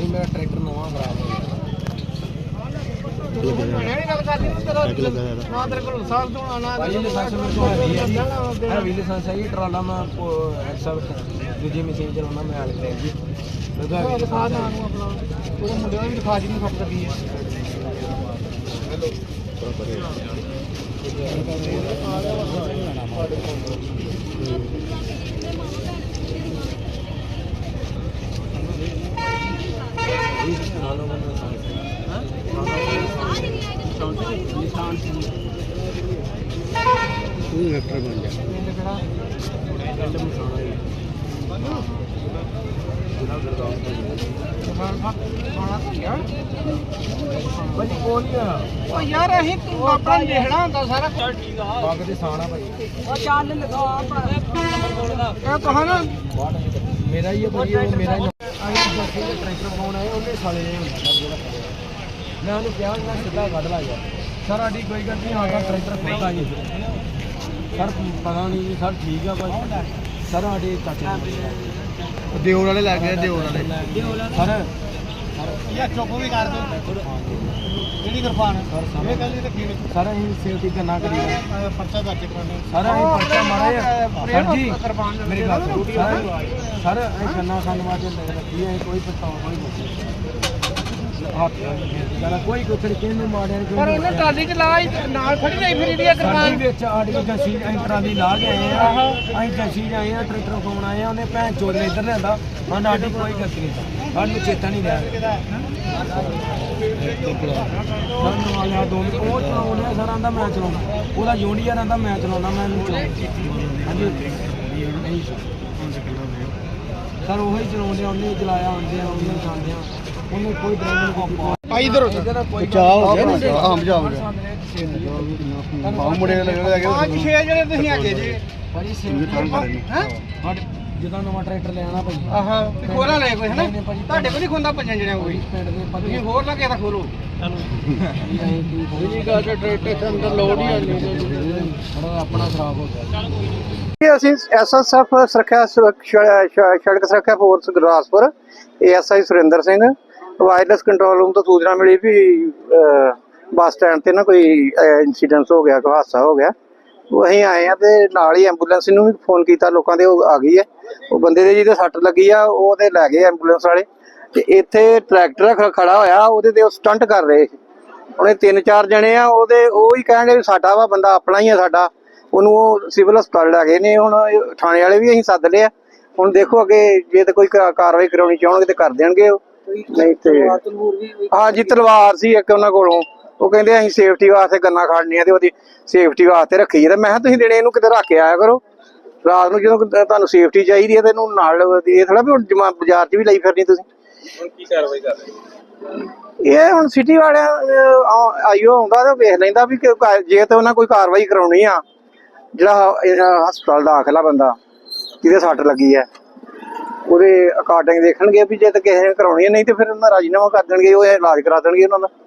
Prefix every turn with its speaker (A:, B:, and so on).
A: भाई मेरा ट्रैक्टर नवा खराब हो गया ट्राला मैं दूजी मशीन चलाना मैं मुंडे भी दिखा जी खप लगी है यार अहीं अपना देखना होंदा सारा पग दे साना भाई ओ चल लगा ए कहा ना मेरा ही है भाई वो मेरा ही ट्रैक्टर पाउण आए ਉਹਨੇ ਸਾਲੇ ਨੇ ਹੁੰਦਾ ਸਰ ਜਿਹੜਾ ਮੈਂ ਉਹਨੂੰ ਕਿਹਾ ਮੈਂ ਸਿੱਧਾ ਕੱਢ ਲਾ ਯਾਰ ਸਰ ਆਡੀ ਕੋਈ ਗੱਲ ਨਹੀਂ ਆਗਾ ਟਰੈਕਟਰ ਖੋਲਦਾ ਜੀ ਸਰ ਪਤਾ ਨਹੀਂ ਸਰ ਠੀਕ ਆ ਭਾਈ ਸਰ ਆਡੇ ਚਾਚੇ ਦਿਓਰ ਵਾਲੇ ਲੱਗ ਗਏ ਦਿਓਰ ਵਾਲੇ ਸਰ ਯਾ ਚੁੱਪ ਵੀ ਕਰ ਦੋ ਕਿਹੜੀ ਕਿਰਪਾਨ ਇਹ ਗੱਲ ਤੇ ਕੀ ਸਰ ਅਸੀਂ ਸੇਫਟੀ ਕਰਨਾ ਕਰੀ ਪਰਚਾ ਦਰਜ ਕਰਾਉਣਾ ਸਰ ਅਸੀਂ ਪਰਚਾ ਮਾਰਿਆ ਸਰ ਜੀ ਮੇਰੀ ਗੱਲ ਸਰ ਅਸੀਂ ਕੰਨਾ ਖਾਨ ਵਾਸਤੇ ਲੈ ਰੱਖੀ ਹੈ ਕੋਈ ਪਛਤਾਵਾ ਕੋਈ ਨਹੀਂ ਕੋਈ ਕੁਛ ਕਿਹਨੂੰ ਮਾਰਿਆ ਕੋਈ ਪਰ ਉਹਨੇ ਟਰਾਲੀ ਚ ਲਾ ਨਾਲ ਖੜੀ ਨਹੀਂ ਫਿਰ ਇਹਦੀ ਕਿਰਪਾਨ ਵਿੱਚ ਆੜੀ ਜੱਸੀ ਅਸੀਂ ਟਰਾਲੀ ਲਾ ਕੇ ਆਏ ਆ ਅਸੀਂ ਜੱਸੀ ਆਏ ਆ ਟਰੈਕਟਰ ਫੋਨ ਆਏ ਆ ਉਹਨੇ ਭੈਣ ਚੋਦ ਨੇ ਇੱਧਰ ਲਿਆਂਦਾ ਹਾਂ ਸਾਡੀ ਕੋਈ ਗਲਤੀ ਨਹੀਂ ਸਾਨੂੰ ਚੇਤਾ ਨਹੀਂ ਰਿਹਾ ਵਾਲਿਆ ਦੋ ਉਹ ਚਲਾਉਣੇ ਸਰ ਆਂਦਾ ਮੈਂ ਚਲਾਉਣਾ ਉਹਦਾ ਜੂਨੀਅਰ ਆਂਦਾ ਮੈਂ ਚਲਾਉਣਾ ਮੈਂ ਹਾਂਜੀ ਸਰ ਉਹੀ ਚਲਾਉਂਦੇ ਉਹਨੇ ਚਲਾਇਆ ਆਉਂਦੇ ਆ ਉਹਨੇ ਖਾਂਦੇ ਆ ਉਹਨੇ ਕੋਈ ਡਰਾਈਵਰ ਆ ਇਧਰ ਬਚਾਅ ਹੋ ਗਿਆ ਨਾ ਹਾਂ ਬਚਾਅ ਹੋ ਗਿਆ ਬਾਹੂ ਮੁੰਡੇ ਲੱਗੇ ਪੰਜ ਛੇ ਜਿਹੜੇ ਤੁਸੀਂ ਹੈਗੇ ਜੀ ਭਾਜੀ ਹੈ ਜਦੋਂ ਨਵਾਂ ਟਰੈਕਟਰ ਲੈਣਾ ਭਾਈ ਆਹਾ ਤੇ ਖੋਲਾ ਲੈ ਕੋਈ ਹੈ ਨਾ ਤੁਹਾਡੇ ਕੋਲ ਨਹੀਂ ਖੁੰਦਾ ਪੰਜਾਂ ਜਣਿਆਂ ਕੋਈ ਪਿੰਡ ਦੇ ਤੁਸੀਂ ਹੋਰ ਨਾ ਕਿਸੇ ਦਾ ਖੋਲੋ ਜੀ ਗਾ ਟਰੈਕਟਰ ਦੇ ਅੰਦਰ ਲੋਡ ਹੀ ਆਣੀ ਆਪਣਾ ਖਰਾਬ ਹੋ ਗਿਆ ਅਸੀਂ ਐਸਐਸਐਫ ਸੁਰੱਖਿਆ ਸੜਕ ਸੁਰੱਖਿਆ force Gurdaspur ASI Surinder Singh wireless control room ਤੋਂ ਸੂਚਨਾ ਮਿਲੀ ਵੀ ਬੱਸ ਸਟੈਂਡ ਤੇ ਨਾ ਕੋਈ ਇਨਸੀਡੈਂਟ ਹੋ ਗਿਆ ਕੋਈ ਹਾਦਸਾ ਹੋ ਗਿਆ ਉਹ ਅਸੀਂ ਆਏ ਆ ਤੇ ਨਾਲ ਹੀ ਐਂਬੂਲੈਂਸ ਨੂੰ ਵੀ ਫੋਨ ਕੀਤਾ ਲੋਕਾਂ ਦੇ ਉਹ ਆ ਗਈ ਹੈ ਉਹ ਬੰਦੇ ਦੇ ਜਿਹਦੇ ਸੱਟ ਲੱਗੀ ਆ ਉਹ ਤੇ ਲੈ ਗਏ ਐਂਬੂਲੈਂਸ ਵਾਲੇ ਤੇ ਇੱਥੇ ਟਰੈਕਟਰ ਖੜਾ ਹੋਇਆ ਉਹਦੇ ਤੇ ਉਹ ਸਟੰਟ ਕਰ ਰਹੇ ਉਹਨੇ 3-4 ਜਣੇ ਆ ਉਹਦੇ ਉਹ ਹੀ ਕਹਿੰਦੇ ਸਾਡਾ ਵਾ ਬੰਦਾ ਆਪਣਾ ਹੀ ਆ ਸਾਡਾ ਉਹਨੂੰ ਉਹ ਸਿਵਲ ਹਸਪਤਾਲ ਲੈ ਗਏ ਨੇ ਹੁਣ ਥਾਣੇ ਵਾਲੇ ਵੀ ਅਸੀਂ ਸੱਦ ਲਿਆ ਹੁਣ ਦੇਖੋ ਅੱਗੇ ਜੇ ਤੇ ਕੋਈ ਕਾਰਵਾਈ ਕਰਾਉਣੀ ਚਾਹਣਗੇ ਤੇ ਕਰ ਦੇਣਗੇ ਉਹ ਨਹੀਂ ਤੇ ਹਾਂ ਜੀ ਤਲਵਾਰ ਸੀ ਇੱਕ ਉਹਨਾਂ ਕੋਲੋਂ ਉਹ ਕਹਿੰਦੇ ਅਸੀਂ ਸੇਫਟੀ ਵਾਸਤੇ ਗੰਨਾਂ ਖੜਨੀਆਂ ਤੇ ਉਹਦੀ ਸੇਫਟੀ ਵਾਸਤੇ ਰੱਖੀ ਹੈ ਤੇ ਮੈਂ ਕਿਹਾ ਤੁਸੀਂ ਦਿਨੇ ਇਹਨੂੰ ਕਿਤੇ ਰੱਖ ਕੇ ਆਇਆ ਕਰੋ ਰਾਤ ਨੂੰ ਜਦੋਂ ਤੁਹਾਨੂੰ ਸੇਫਟੀ ਚਾਹੀਦੀ ਹੈ ਤੇ ਇਹਨੂੰ ਨਾਲ ਇਹ ਥੋੜਾ ਵੀ ਹੁਣ ਬਾਜ਼ਾਰ 'ਚ ਵੀ ਲਈ ਫਿਰਨੀ ਤੁਸੀਂ ਹੁਣ ਕੀ ਕਾਰਵਾਈ ਕਰ ਰਹੇ ਇਹ ਹੁਣ ਸਿਟੀ ਵਾਲਿਆਂ ਆਈਓ ਆਉਂਦਾ ਤੇ ਵੇਖ ਲੈਂਦਾ ਵੀ ਜੇ ਤੇ ਉਹਨਾਂ ਕੋਈ ਕਾਰਵਾਈ ਕਰਾਉਣੀ ਆ ਜਿਹੜਾ ਹਸਪਤਾਲ ਦਾਖਲਾ ਬੰਦਾ ਜਿਹਦੇ ਸੱਟ ਲੱਗੀ ਹੈ ਉਹਦੇ ਅਕਾਰਡਿੰਗ ਦੇਖਣਗੇ ਵੀ ਜੇ ਤਾਂ ਕਿਸੇ ਨੇ ਕਰਾਉਣੀ ਹੈ ਨਹੀਂ ਤੇ ਫਿਰ ਉਹਨਾਂ ਰਾਜੀਨਾਮਾ ਕਰ ਦੇਣਗੇ ਉਹ ਇਲਾਜ ਕਰਾ ਦੇਣਗੇ ਉਹਨਾਂ ਦਾ